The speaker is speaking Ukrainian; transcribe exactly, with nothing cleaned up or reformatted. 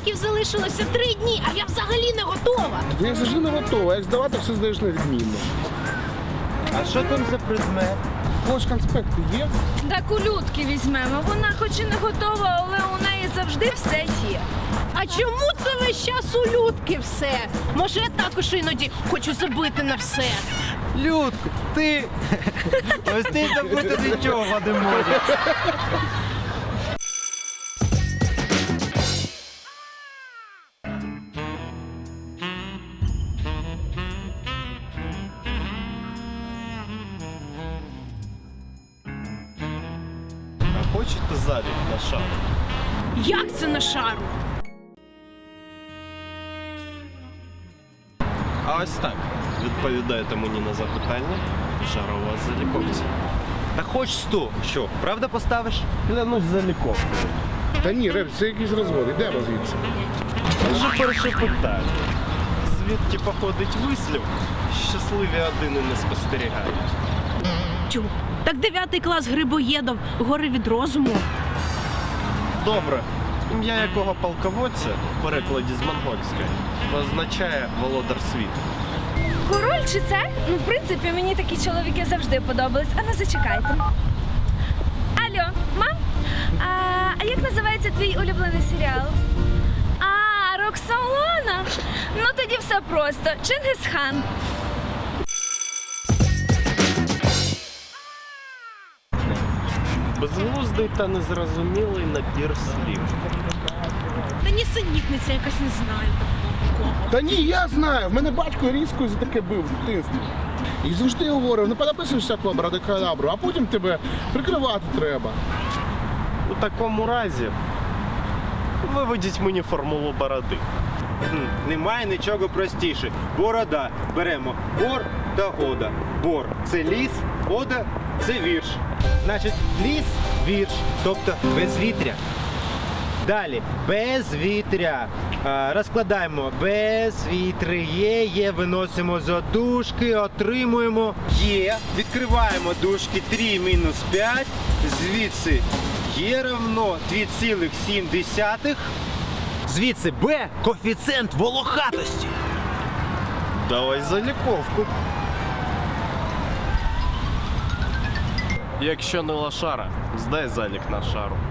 екзаменчиків залишилося три дні, а я взагалі не готова. Ти як завжди не готова, як здавати, все здаєш невідмінно. А що там за предмет? Хоч конспекти є? Так у Людки візьмемо. Вона хоч і не готова, але у неї завжди все є. А чому це весь час у Людки все? Може, я також іноді хочу забити на все. Людко, ти... Ось ти забути нічого не можеш. А хочете залік на шару? Як це на шару? А ось так. Відповідаєте мені на запитання. Шара у вас заліковці. Та хоч сто. Що, правда поставиш? Клянусь заліковкою. Та ні, Реб, це якийсь розвод, йдемо звідси. Вже перше питання. Звідки походить вислів? Щасливі одини не спостерігають. Тю, так дев'ятий клас Грибоєдов, гори від розуму. Добре. Ім'я якого полководця в перекладі з монгольської означає володар світу. Король чи це? Ну, в принципі, мені такі чоловіки завжди подобались. А ну зачекайте. Алло, мам? А, а як називається твій улюблений серіал? А, Роксолана? Ну тоді все просто. Чингис-хан. Безглуздий та незрозумілий набір слів. Та нісенітниця якась, не знаю. Та ні, я знаю, в мене батько різкою за таке бив в дитинстві. І завжди говорив, не понаписуєшся абракадабру, а потім тебе прикривати треба. У такому разі виведіть мені формулу бороди. Немає нічого простіше. Борода. Беремо бор та ода. Бор – це ліс, ода – це вірш. Значить, ліс – вірш, тобто безвітря. Далі, безвітря. А, розкладаємо безвітря, є, виносимо за дужки, отримуємо є. Відкриваємо дужки три мінус п'ять, звідси є равно два цілих сім десятих. Звідси Б – коефіцієнт волохатості. Давай заліковку. Якщо не лошара, здай залік на шару.